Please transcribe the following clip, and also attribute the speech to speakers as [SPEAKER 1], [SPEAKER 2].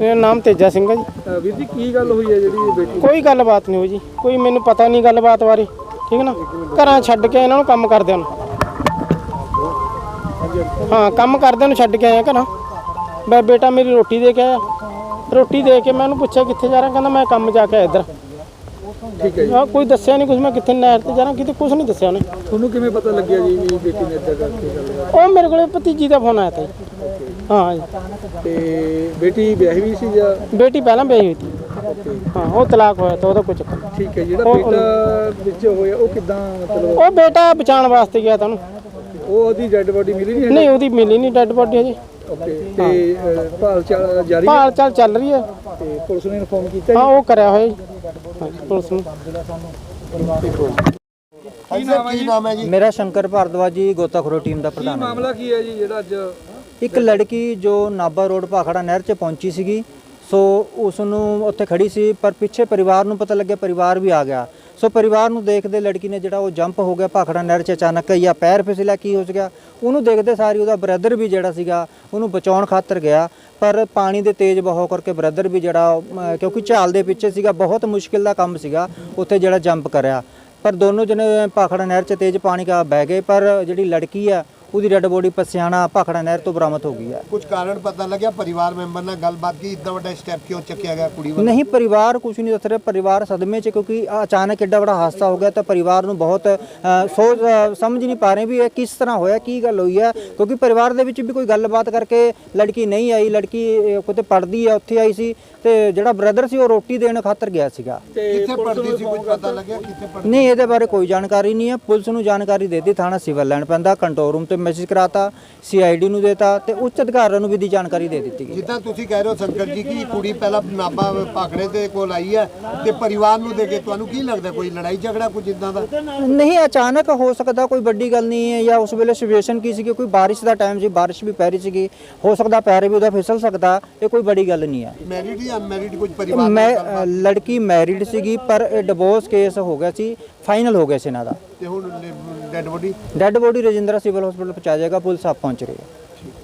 [SPEAKER 1] मेरा नाम तेजा सिंह है जी।
[SPEAKER 2] ਵੀਰ ਜੀ ਕੀ ਗੱਲ ਹੋਈ ਹੈ ਜਿਹੜੀ ਬੇਟੀ
[SPEAKER 1] कोई गलबात नहीं हुई जी, कोई मैनू पता नहीं गलबात बारे, ठीक है ना। घरां छड्ड के इन्हां नूं काम करदे नूं, हाँ काम करदे नूं छड्ड के आया घरां। मैं बेटा मेरी रोटी दे के आया, रोटी दे के मैं उन्होंने पूछा कित्थे जा रहा, कहंदा मैं काम जाके आया इधर।
[SPEAKER 2] ਠੀਕ ਹੈ ਜੀ।
[SPEAKER 1] हाँ कोई दस्सिया नहीं कुछ, मैं कित्थे नहर ते जा रहा किते, कुछ नहीं दस्सिया उन्हें।
[SPEAKER 2] ਤੁਹਾਨੂੰ ਕਿਵੇਂ ਪਤਾ ਲੱਗਿਆ ਜੀ ਵੀ ਬੇਟੀ ਨੇ ਇੱਦਾਂ ਕਰਕੇ ਗੱਲ
[SPEAKER 1] ਉਹ ਮੇਰੇ ਕੋਲੇ ਭਤੀਜੀ ਦਾ ਫੋਨ ਆਇਆ ਤਾ ਜੀ। हाँ जी।
[SPEAKER 2] ਤੇ ਬੇਟੀ ਵਿਆਹੀ ਵੀ ਸੀ ਜਾਂ
[SPEAKER 1] बेटी पहला ब्याही हुई थी, हाँ वो तलाक होया तो कोई चक्कर नहीं।
[SPEAKER 2] ਠੀਕ ਹੈ ਜਿਹੜਾ ਬੇਟਾ ਵਿੱਚ ਹੋਇਆ ਉਹ ਕਿਦਾਂ ਮਤਲਬ
[SPEAKER 1] ਉਹ ਬੇਟਾ ਬਚਾਉਣ ਵਾਸਤੇ ਗਿਆ ਤਾਂ
[SPEAKER 2] ਉਹ ਉਹਦੀ ਡੈੱਡ ਬੋਡੀ ਮਿਲੀ ਨਹੀਂ
[SPEAKER 1] ਨਹੀਂ, ਉਹਦੀ ਮਿਲੀ ਨਹੀਂ ਡੈੱਡ ਬੋਡੀ ਹਜੇ।
[SPEAKER 2] ਓਕੇ ਤੇ ਭਾਲ ਜਾਰੀ
[SPEAKER 1] ਭਾਲ ਚਾਲ ਚੱਲ ਰਹੀ ਹੈ
[SPEAKER 2] ਤੇ ਪੁਲਿਸ ਨੇ ਇਨਫੋਰਮ ਕੀਤਾ
[SPEAKER 1] ਹਾਂ, ਉਹ ਕਰਿਆ ਹੋਇਆ ਜੀ ਪੁਲਿਸ ਨੂੰ।
[SPEAKER 2] ਕੀ ਨਾਮ ਹੈ ਜੀ?
[SPEAKER 3] ਮੇਰਾ ਸ਼ੰਕਰ ਭਾਰਦਵਾਜ ਜੀ, ਗੋਤਾਖੋਰੀ ਟੀਮ ਦਾ ਪ੍ਰਧਾਨ ਹਾਂ।
[SPEAKER 2] ਮਾਮਲਾ ਕੀ ਹੈ ਜੀ ਜਿਹੜਾ ਅੱਜ
[SPEAKER 3] ਇੱਕ ਲੜਕੀ ਜੋ ਨਾਭਾ ਰੋਡ ਭਾਖੜਾ ਨਹਿਰ 'ਚ ਪਹੁੰਚੀ ਸੀਗੀ, ਸੋ ਉਸ ਨੂੰ ਉੱਥੇ ਖੜੀ ਸੀ, ਪਰ ਪਿੱਛੇ ਪਰਿਵਾਰ ਨੂੰ ਪਤਾ ਲੱਗਿਆ, ਪਰਿਵਾਰ ਵੀ ਆ ਗਿਆ। ਸੋ ਪਰਿਵਾਰ ਨੂੰ ਦੇਖਦੇ ਲੜਕੀ ਨੇ ਜਿਹੜਾ ਉਹ ਜੰਪ ਹੋ ਗਿਆ ਭਾਖੜਾ ਨਹਿਰ 'ਚ ਅਚਾਨਕ, ਜਾਂ ਪੈਰ ਫਿਸਲਿਆ ਕੀ ਹੋ ਗਿਆ, ਉਹਨੂੰ ਦੇਖਦੇ ਸਾਰੀ ਉਹਦਾ ਬ੍ਰਦਰ ਵੀ ਜਿਹੜਾ ਸੀਗਾ ਉਹਨੂੰ ਬਚਾਉਣ ਖਾਤਰ ਗਿਆ, ਪਰ ਪਾਣੀ ਦੇ ਤੇਜ਼ ਬਹਾਅ ਕਰਕੇ ਬ੍ਰਦਰ ਵੀ ਜਿਹੜਾ ਕਿਉਂਕਿ ਝਾਲ ਦੇ ਪਿੱਛੇ ਸੀਗਾ, ਬਹੁਤ ਮੁਸ਼ਕਿਲ ਦਾ ਕੰਮ ਸੀਗਾ ਉੱਥੇ ਜਿਹੜਾ ਜੰਪ ਕਰਿਆ, ਪਰ ਦੋਨੋਂ ਜਣੇ ਭਾਖੜਾ ਨਹਿਰ 'ਚ ਤੇਜ਼ ਪਾਣੀ ਕਾ ਬਹਿ ਗਏ। ਪਰ ਜਿਹੜੀ ਲੜਕੀ ਆ ਉਹਦੀ ਡੈੱਡ ਬੋਡੀ ਪਸਿਆਣਾ ਭਾਖੜਾ ਨਹਿਰ ਤੋਂ ਬਰਾਮਦ ਹੋ ਗਈ ਹੈ।
[SPEAKER 4] ਕੁਝ ਕਾਰਨ ਪਤਾ ਲੱਗਿਆ? ਪਰਿਵਾਰ ਮੈਂਬਰ ਨਾਲ ਗੱਲਬਾਤ ਕੀ, ਇतना ਵੱਡਾ ਸਟੈਪ ਕਿਉਂ ਚੱਕਿਆ ਗਿਆ ਕੁੜੀ ਵੱਲ?
[SPEAKER 3] ਨਹੀਂ, ਪਰਿਵਾਰ ਕੁਝ ਨਹੀਂ ਦੱਸ ਰਿਹਾ, ਪਰਿਵਾਰ ਸਦਮੇ 'ਚ, ਕਿਉਂਕਿ ਅਚਾਨਕ ਐਡਾ ਵੱਡਾ ਹਾਦਸਾ ਹੋ ਗਿਆ ਤਾਂ ਪਰਿਵਾਰ ਨੂੰ ਬਹੁਤ ਸੋਚ ਸਮਝ ਨਹੀਂ ਪਾ ਰਹੇ ਵੀ ਇਹ ਕਿਸ ਤਰ੍ਹਾਂ ਹੋਇਆ, ਕੀ ਗੱਲ ਹੋਈ ਹੈ, ਕਿਉਂਕਿ ਪਰਿਵਾਰ ਦੇ ਵਿੱਚ ਵੀ ਕੋਈ ਗੱਲਬਾਤ ਕਰਕੇ ਲੜਕੀ ਨਹੀਂ ਆਈ। ਲੜਕੀ ਕਿਤੇ ਪੜ੍ਹਦੀ ਹੈ, ਉੱਥੇ ਆਈ ਸੀ, ਤੇ ਜਿਹੜਾ ਬ੍ਰਦਰ ਸੀ ਉਹ ਰੋਟੀ ਦੇਣ ਖਾਤਰ ਗਿਆ ਸੀਗਾ।
[SPEAKER 4] ਕਿੱਥੇ ਪੜਦੀ ਸੀ, ਕੁਝ ਪਤਾ ਲੱਗਿਆ ਕਿੱਥੇ ਪੜਦੀ?
[SPEAKER 3] ਨਹੀਂ, ਇਹਦੇ ਬਾਰੇ ਕੋਈ ਜਾਣਕਾਰੀ ਨਹੀਂ ਹੈ। ਪੁਲਿਸ ਨੂੰ ਜਾਣਕਾਰੀ ਦੇ ਦਿੱਤੀ, ਥਾਣਾ ਸਿਵਲ ਲੈਣ ਪੈਂਦਾ, ਕੰਟਰੋਲ ਰੂਮ ਤੇ ਮੈਸੇਜ ਕਰਾਤਾ, CID ਨੂੰ ਦੇਤਾ ਤੇ ਉੱਚ ਅਧਿਕਾਰੀਆਂ ਨੂੰ ਵੀ ਦੀ ਜਾਣਕਾਰੀ ਦੇ ਦਿੱਤੀ ਗਈ।
[SPEAKER 4] ਜਿੱਦਾਂ ਤੁਸੀਂ ਕਹਿ ਰਹੇ ਹੋ ਸ਼ੰਕਰ ਜੀ ਕਿ ਕੁੜੀ ਪਹਿਲਾਂ ਨਾਭਾ ਭਾਖੜੇ ਦੇ ਕੋਲ ਆਈ ਹੈ ਤੇ ਪਰਿਵਾਰ ਨੂੰ ਦੇ ਕੇ, ਤੁਹਾਨੂੰ ਕੀ ਲੱਗਦਾ ਕੋਈ ਲੜਾਈ ਝਗੜਾ ਕੁਝ ਇਦਾਂ ਦਾ?
[SPEAKER 3] ਨਹੀਂ, ਅਚਾਨਕ ਹੋ ਸਕਦਾ, ਕੋਈ ਵੱਡੀ ਗੱਲ ਨਹੀਂ ਹੈ, ਜਾਂ ਉਸ ਵੇਲੇ ਸਿਚੁਏਸ਼ਨ ਕੀ ਸੀ, ਕੋਈ ਬਾਰਿਸ਼ ਦਾ ਟਾਈਮ ਸੀ, ਬਾਰਿਸ਼ ਵੀ ਪੈ ਰਹੀ ਸੀਗੀ, ਹੋ ਸਕਦਾ ਪੈਰ ਵੀ ਉਹਦਾ ਫਿਸਲ ਸਕਦਾ, ਇਹ ਕੋਈ ਵੱਡੀ ਗੱਲ ਨਹੀਂ ਹੈ।
[SPEAKER 4] ਮੈਰਿਡ ਜਾਂ ਅਨਮੈਰਿਡ ਕੁਝ ਪਰਿਵਾਰ?
[SPEAKER 3] ਮੈਂ ਲੜਕੀ ਮੈਰਿਡ ਸੀਗੀ, ਪਰ ਇਹ ਡਿਵੋਰਸ ਕੇਸ ਹੋ ਗਿਆ ਸੀ, ਫਾਈਨਲ ਹੋ ਗਿਆ ਸੀ ਇਹਨਾਂ ਦਾ।
[SPEAKER 4] ਤੇ ਹੁਣ dead body
[SPEAKER 3] dead body Rajindra civil hospital ਪਹੁੰਚਾ ਜਾਏਗਾ, ਪੁਲਿਸ ਆਪ ਪਹੁੰਚ ਰਹੀ ਹੈ।